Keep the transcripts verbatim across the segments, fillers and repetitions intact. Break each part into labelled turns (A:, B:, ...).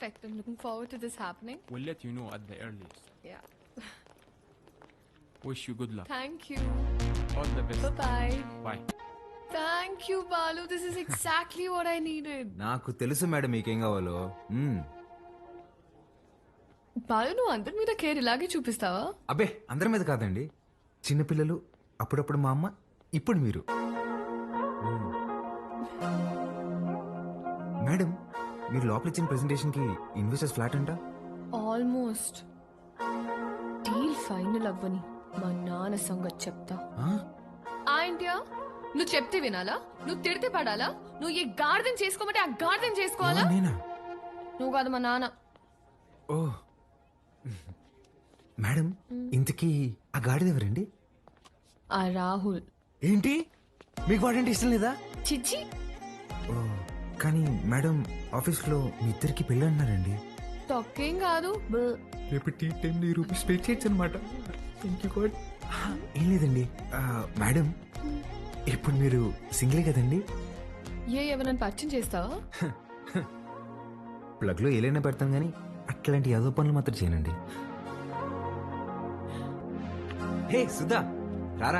A: Perfect. I'm looking forward to this happening.
B: We'll let you know at the earliest.
A: Yeah.
B: Wish you good luck.
A: Thank you.
B: All the best.
A: Bye-bye.
B: Bye.
A: Thank you, Balu. This is exactly what I needed.
C: నాకు తెలుసు madam మీకేం కావాలో. మ్మ్.
A: బాలు నువ్వు అందరి మీద care ఇలాగే చూపిస్తావా?
C: అబ్బే అందరి మీద కాదండి, చిన్నపిల్లలు, అప్పుడప్పుడు మా అమ్మ, ఇప్పుడు మీరు. మ్మ్. మేడం మీరు లోపల ఇచ్చిన ప్రెజెంటేషన్ కి ఇన్వెస్టర్స్ ఫ్లాట్ అంట.
A: ఆల్మోస్ట్ డీల్ ఫైనల్ అవ్వని మా నాన్న సంగతి చెప్తా.
C: ఆ?
A: ఆంటియా నువ్వు చెప్తే వినాలా? నువ్వు తిడితే పడాలా? నువ్వు ఏ గార్డెన్ చేసుకోమంటే ఆ గార్డెన్ చేసుకోవాలా?
C: ఎవరు నేనా?
A: నువ్వు కాదు మా నాన్న.
C: ఓ మేడం ఇంతకీ ఆ గాడిద ఎవరండి?
A: ఆ రాహుల్.
C: ఏంటి మీకు వాడంటే ఇష్టం లేదా?
A: చిచ్చి.
C: ఓ కానీ మేడం ఆఫీస్ లో మీ ఇద్దరికి పెళ్ళి అన్నారండి.
A: తొక్కేం కాదు.
C: రేపు టీ టెన్ రూపీస్ పే చేయొచ్చు అనమాట. ఏం లేదండి ఆ, మేడం ఇప్పుడు మీరు సింగిలే కదండి?
A: ఏ ఎవరైనా పరిచయం చేస్తావా?
C: ప్లగ్ లో ఏలైనా పెడతాం కానీ అట్లాంటి యాదో పనులు మాత్రం చేయనండి. హే సుధా రారా.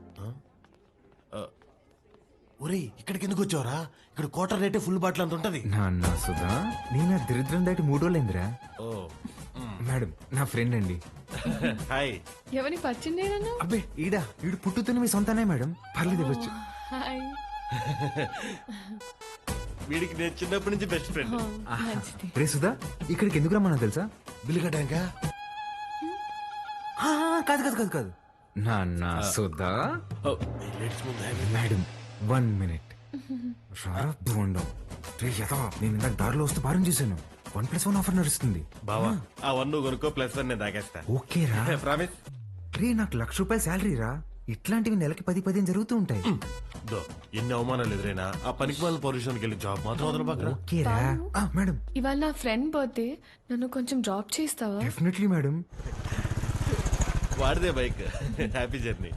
D: ఒరేయ్ ఇక్కడికి ఎందుకు వచ్చావరా? ఇక్కడ క్వార్టర్ రేటే ఫుల్ బాటిల్ అంత ఉంటది.
C: నాన్న సుధా నేను ఆ దరిద్రం దాటి మూడు రోజులైందిరా.
D: ఓ
C: మేడం నా ఫ్రెండ్ అండి.
D: హాయ్.
A: ఎవరిని పరిచయం చేయనన్నా?
C: అబ్బే ఈడా ఈడు పుట్టుతున్న మీ సొంతనే మేడం, పర్లేదు ఇవ్వచ్చు.
A: హాయ్.
D: వీడికి నేను చిన్నప్పటి నుంచి బెస్ట్ ఫ్రెండ్.
A: మంచిది.
C: రే సుధా ఇక్కడికి ఎందుకు రమ్మన్నా తెలుసా?
D: బిల్లు కట్టాక
C: కాదు కాదు కాదు కాదు నాన్న సుధా.
D: లేడీస్ ముందు
C: మేడం వన్ మినిట్ రారా బోండం. రే యథా నేను ఇందాక దారిలో వస్తూ భారం చేశాను. వన్ ప్లస్ వన్ ఆఫర్ నడుస్తుంది.
D: బావా ఆ వన్ నువ్వు కొనుక్కో, ప్లస్ వన్ నేను తాగేస్తా.
C: ఓకే రా.
D: ప్రామిస్.
C: రే నాకు లక్ష రూపాయల శాలరీ రా. ఇట్లాంటివి నెలకి పది పదిహేను జరుగుతూ ఉంటాయి.
D: దో ఎన్ని అవమానాలు ఎదురైనా ఆ పనికి వాళ్ళ పొజిషన్కి వెళ్ళి జాబ్ మాత్రం వదల పక్కన.
C: ఓకే రా. ఆ, మేడం
A: ఇవాళ నా ఫ్రెండ్ బర్త్డే, నన్ను కొంచెం డ్రాప్ చేస్తావా?
C: Definitely madam.
D: వాడిదే బైక్. Happy journey.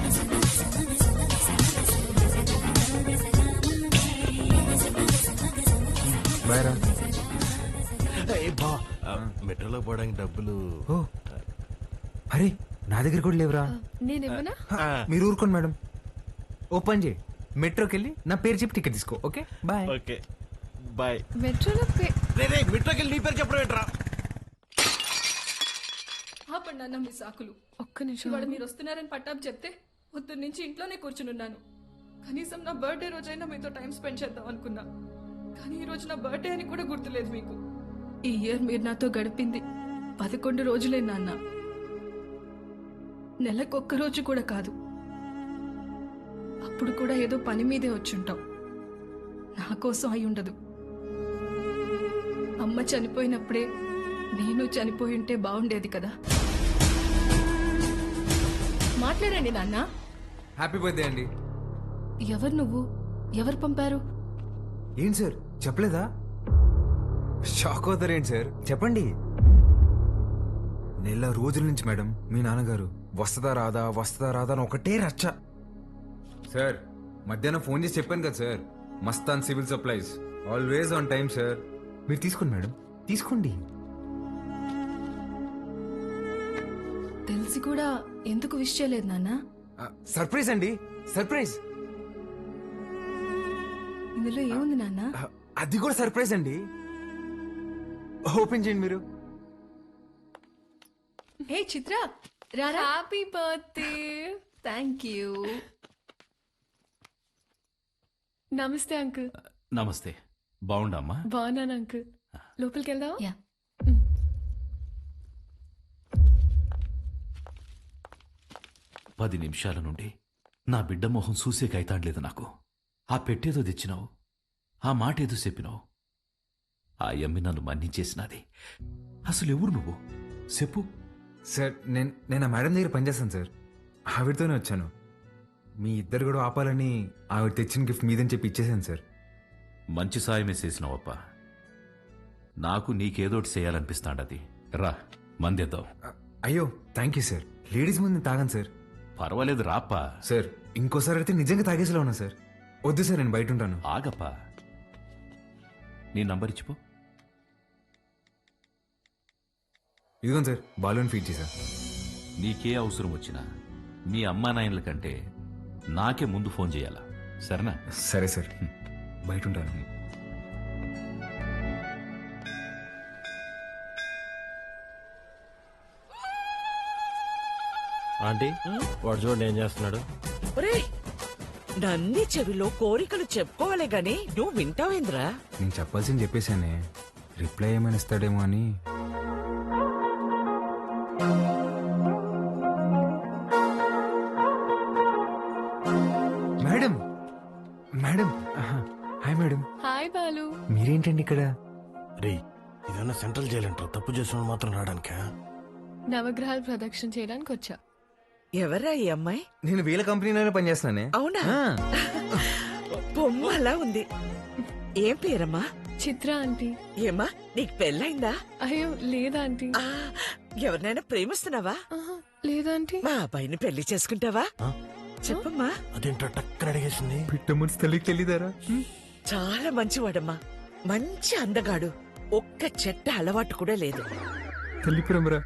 C: బాయ్ రా.
D: బా మెట్రోలో పోవడానికి డబ్బులు.
C: ఓ అరే నా దగ్గర కూడా లేవురా.
A: నేనేమన్నా?
C: హ, మీరు ఊరుకోండి మేడం. ఓ పని చేయి, మెట్రోకి వెళ్ళి నా పేరు చెప్పి టికెట్ తీసుకో. Okay bye.
D: Okay bye.
A: మెట్రోలో పే
D: మెట్రోకి వెళ్ళి నీ పేరు చెప్పడం ఏంట్రా?
E: ఆపండి అన్న మీ సాకులు.
A: ఒక్క నిమిషం.
E: ఇవాళ మీరు వస్తున్నారని పట్టాపు చెప్తే పొద్దున్న నుంచి ఇంట్లోనే కూర్చునున్నాను. కనీసం నా బర్త్డే రోజైనా మీతో టైం స్పెండ్ చేద్దాం అనుకున్నా, కానీ ఈ రోజు నా బర్త్డే అని కూడా గుర్తులేదు మీకు. ఈ ఇయర్ మీరు నాతో గడిపింది పదకొండు రోజులే నాన్న, నెలకొక్క రోజు కూడా కాదు. అప్పుడు కూడా ఏదో పని మీదే వచ్చుంటాం. నా కోసం అయి ఉండదు. అమ్మ చనిపోయినప్పుడే నేను చనిపోయి ఉంటే బాగుండేది కదా. మాట్లాడండి నాన్న.
C: హ్యాపీ బర్త్డే అండి.
E: ఎవరు నువ్వు? ఎవరు పంపారు?
C: ఏంటి సార్ చెప్పలేదా? షాక్ అవుతారేంటి సార్, చెప్పండి. నెల రోజుల నుంచి మేడం మీ నాన్నగారు వస్తుందా రాదా వస్తుందా రాదా అని ఒకటే రచ్చ. సార్ మధ్యాహ్నం ఫోన్ చేసి చెప్పాను కదా sir, Mastan civil supplies always on time sir. మీరు తీసుకోండి మేడం, తీసుకోండి.
E: తెలిసి కూడా ఎందుకు విష్ చేయలేదు నాన్న?
C: సర్ప్రైజ్ అండి, సర్ప్రైజ్.
E: ఇందులో ఏముంది నాన్న?
C: అది కూడా సర్ప్రైజ్ అండి. ఓపెన్ చేయండి మీరు.
E: హే చిత్ర రారా.
A: Happy birthday.
E: Thank you.
A: నమస్తే అంకుల్.
F: నమస్తే. బాగుండమ్మా?
A: బాగున్నాను అంకుల్. లోపలికి వెళ్దావా?
E: యా.
F: పది నిమిషాల నుండి నా బిడ్డ మొహం చూసే కైతాడలేదు నాకు. ఆ పెట్టేదో తెచ్చినావు, ఆ మాట ఏదో చెప్పినావు. ఆ యమ్మి నన్ను మన్నించేసినది. అసలు ఎవరు నువ్వు చెప్పు.
C: సార్ నేను నేను ఆ మేడం దగ్గర పనిచేస్తాను సార్, ఆవిడతోనే వచ్చాను. మీ ఇద్దరు కూడా ఆపాలని ఆవిడ తెచ్చిన గిఫ్ట్ మీదని చెప్పి ఇచ్చేసాను సార్.
F: మంచి సాయమే చేసినావప్ప. నాకు నీకేదోటి చేయాలనిపిస్తాండది. రా మందేద్దాం.
C: అయ్యో థ్యాంక్ యూ సార్. లేడీస్ ముందు తాగాను సార్.
F: పర్వాలేదు రాప్పా.
C: సార్ ఇంకోసారి అయితే నిజంగా తాగేసేలా ఉన్నా సార్. వద్దు సార్ నేను బయట ఉంటాను.
F: ఆగప్పా, నీ నంబర్ ఇచ్చిపో.
C: ఇదిగోండి సార్ బాలూన్ ఫీడ్ చేశా.
F: నీకే అవసరం వచ్చినా మీ అమ్మా నాయనల కంటే నాకే ముందు ఫోన్ చేయాలా, సరేనా?
C: సరే సార్, బయట ఉంటాను.
D: ఆంటీ వాడు చూడండి ఏం చేస్తున్నాడు.
G: ఒరేయ్, నంది చెవిలో కోరికలు చెప్పుకోవాలి గాని నువ్వు వింటావేంద్రా?
C: నేను చెప్పాల్సింది చెప్పేశానే, రిప్లై ఏమైనా ఇస్తాడేమో అని. మేడం మేడం ఆహా, హాయ్ మేడం.
A: హాయ్ బాలు.
C: మీరేంటండి ఇక్కడ?
D: రే ఇదన్నా సెంట్రల్ జైలు అంటారు, తప్పు చేసిన మాత్రం రావడానికా?
A: నవగ్రహాలు ప్రదక్షిణ చేయడానికి వచ్చా.
G: ఎవరా ఈ అమ్మాయి?
C: నేను వీళ్ళ కంపెనీలోనే పనిచేస్తున్నానే.
G: అవునా?
C: ఆ,
G: బొమ్మ అలా ఉంది. ఏం పేరమ్మా?
A: చిత్ర ఆంటీ.
G: ఏమ్మా నీకు పెళ్ళైందా?
A: అయ్యో లేదా ఆంటీ.
G: ఆ, ఎవరినైనా ప్రేమిస్తున్నావా?
A: ఆహా, లేదాంటీ.
G: మా అబ్బాయిని పెళ్లి చేసుకుంటావా?
D: ఆ?
G: చెప్పమ్మా.
D: అదేంటో టక్కన అడిగేసింది.
C: పిట్ట మనసు తల్లికి తెలియదారా?
G: చాలా మంచివాడమ్మా, మంచి అందగాడు, ఒక్క చెట్ట అలవాటు కూడా లేదు.
C: తల్లి ప్రేమరా.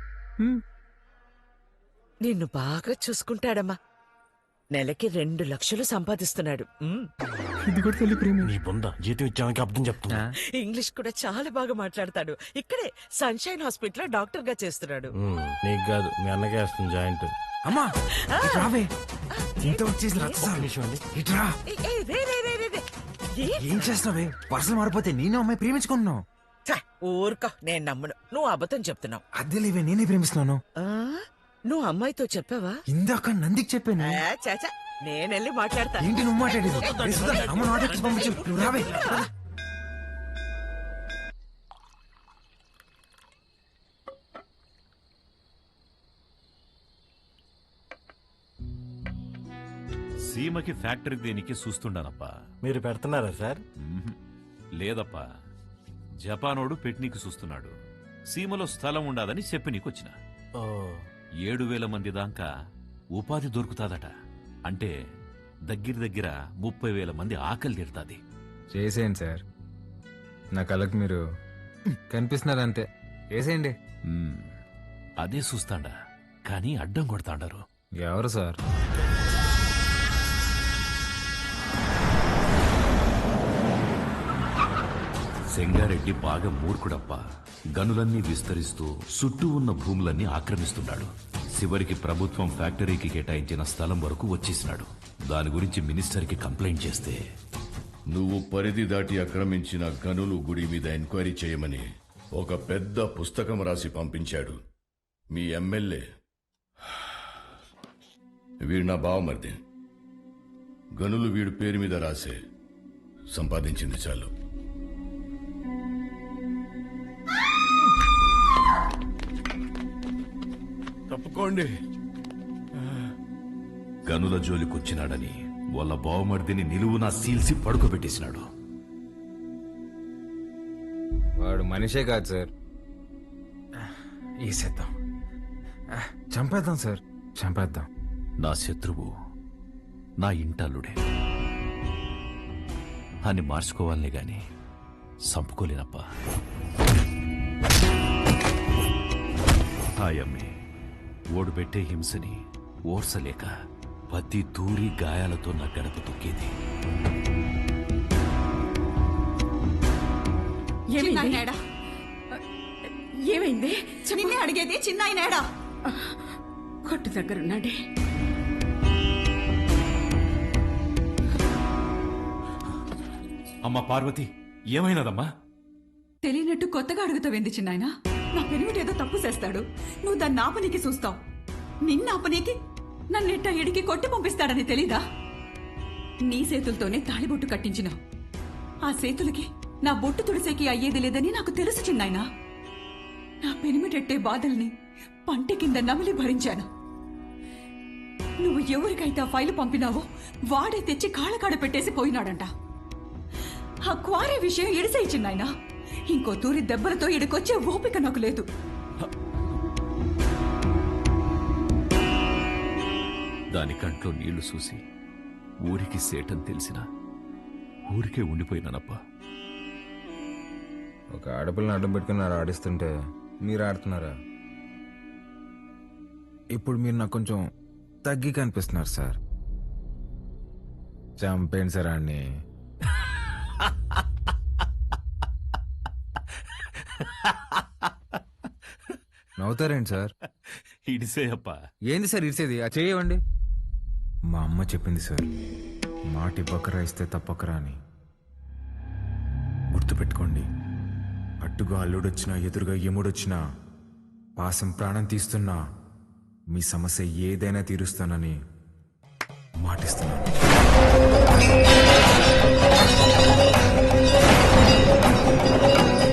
G: నిన్ను బాగా చూసుకుంటాడమ్మా. నెలకి రెండు లక్షలు సంపాదిస్తున్నాడు. ఉమ్.
C: ఇది కూడా తల్లి ప్రేమ.
D: నీ బొంద జీతం ఇచ్చామకి అర్థం చెప్తున్నా.
G: ఇంగ్లీష్ కూడా చాలా బాగా మాట్లాడతాడు. ఇక్కడే సన్షైన్ హాస్పిటల్ లో డాక్టర్ గా చేస్తున్నాడు.
D: ఉమ్, నీకు కాదు మీ అన్నకే వేస్తుంది జాయింట్.
C: అమ్మా ఇటు రావే. ఇంత వచ్చేసి రచ్చ. ఇటురా.
G: ఏ, ఏ, రే, రే, రే, రే, రే. ఏ?
C: ఏం చేస్తావే? పర్సలు మారిపోతే నేను అమ్మాయి ప్రేమించుకుంటున్నావు.
G: ఛ, ఊరుకో, నేను నమ్మను. నువ్వు అబద్ధం చెప్తున్నావు.
C: అద్దెలేవే, నేనే ప్రేమిస్తున్నాను.
G: ఆ? నువ్వు అమ్మాయితో చెప్పావా?
C: ఇందాక నందికి చెప్పాను.
G: ఆ, చాచా, నేనెళ్ళి మాట్లాడతా.
C: ఏంటి నువ్వు మాట్లాడేది? రే సుధా, అమ్మ నాట్ ఎక్కి పంపించు. నువ్వు రావే.
F: సీమకి ఫ్యాక్టరీ దేనికి చూస్తుండానప్పా.
D: మీరు పెడుతున్నారా సార్?
F: మ్మ్హ్. లేదప్పా, జపానోడు పెట్నీకి చూస్తున్నాడు. సీమలో స్థలం ఉండాదని చెప్పి నీకొచ్చిన.
D: ఓ
F: ఏడు వేల మంది దాకా ఉపాధి దొరుకుతాదట. అంటే దగ్గర దగ్గర ముప్పై వేల మంది ఆకలి తీరుతాది.
C: చేసేయండి సార్, నా కళ్ళకి మీరు కనిపిస్తున్నారు అంతే. చేసేయండి.
F: మ్మ్. అదే చూస్తాండా, కానీ అడ్డం కొడతాండారు.
C: ఎవరు సార్?
F: సెంగారెడ్డి బాగా మూర్ఖుడప్ప. గనులన్నీ విస్తరిస్తూ చుట్టూ ఉన్న భూములన్నీ ఆక్రమిస్తున్నాడు. చివరికి ప్రభుత్వం ఫ్యాక్టరీకి కేటాయించిన స్థలం వరకు వచ్చేసినాడు. దాని గురించి మినిస్టర్కి కంప్లైంట్ చేస్తే,
H: నువ్వు పరిధి దాటి ఆక్రమించిన గనులు గుడి మీద ఎంక్వైరీ చేయమని ఒక పెద్ద పుస్తకం రాసి పంపించాడు మీ ఎమ్మెల్యే. వీడు నా బావమరిది. గనులు వీడు పేరు మీద రాసే సంపాదించింది చాలు.
D: తప్పుకోండి.
F: గనుల జోలికొచ్చినాడని వాళ్ళ బావమర్దిని నిలువునా సీల్సి పడుకోబెట్టేసినాడు.
C: వాడు మనిషే కాదు సార్. వేసేద్దాం, చంపేద్దాం సార్, చంపేద్దాం.
F: నా శత్రువు నా ఇంటల్లుడే అని మార్చుకోవాలనే గాని చంపుకోలేనప్పా. హాయమ్మి ఓడు పెట్టే హింసని ఓర్సలేక పత్తి తూరి గాయాలతో నా గడప తొక్కేది.
I: చిన్నాయనేడా? ఏమైంది? నిన్నే అడిగేది, చిన్నాయనేడా? కొట్టు దగ్గరున్నాడే.
F: అమ్మా పార్వతి, ఏమైనదమ్మా?
I: తెలియనట్టు కొత్తగా అడుగుతావేంది చిన్నాయన? నా పెరిమిటేదో తప్పు చేస్తాడు, నువ్వు దాన్ని ఆపనీకి చూస్తావు. నిన్న ఆపనీకి నన్నెట్ట ఎడికి కొట్టి పంపిస్తాడని తెలీదా? నీ చేతులతోనే తాళిబొట్టు కట్టించినావు. ఆ చేతులకి నా బొట్టు తుడిసేకి అయ్యేది లేదని నాకు తెలుసు చిన్నాయన. నా పెనిమిటెట్టే బాధల్ని పంటి కింద నమిలి భరించాను. నువ్వు ఎవరికైతే ఆ ఫైలు పంపినావో వాడే తెచ్చి కాళ్ళకాడ పెట్టేసి పోయినాడంట. ఆ క్వారీ విషయం ఎడిసే చిన్నాయన. ఇంకో తూరి దెబ్బలతో ఇడికొచ్చే ఓపిక నాకు లేదు.
F: దాని కంట్లో నీళ్లు చూసి ఊరికి సేటని తెలిసినా ఊరికే ఉండిపోయినానప్పా.
C: ఒక ఆడపిల్లని అడ్డం పెట్టుకుని ఆడిస్తుంటే మీరు ఆడుతున్నారా? ఇప్పుడు మీరు నాకు కొంచెం తగ్గి కనిపిస్తున్నారు సార్. చంపేయండి సార్ అన్ని. నవ్వుతారేంటి సార్?
F: ఇడిసే అప్ప.
C: ఏంది సార్ ఇరిసేది? ఆ చేయవండి. మా అమ్మ చెప్పింది సార్, మాటి బకరా ఇస్తే తప్పకరా అని. గుర్తుపెట్టుకోండి, అట్టుగా అల్లుడొచ్చినా ఎదురుగా ఎముడొచ్చినా పాసం ప్రాణం తీస్తున్నా మీ సమస్య ఏదైనా తీరుస్తానని మాటిస్తున్నాను.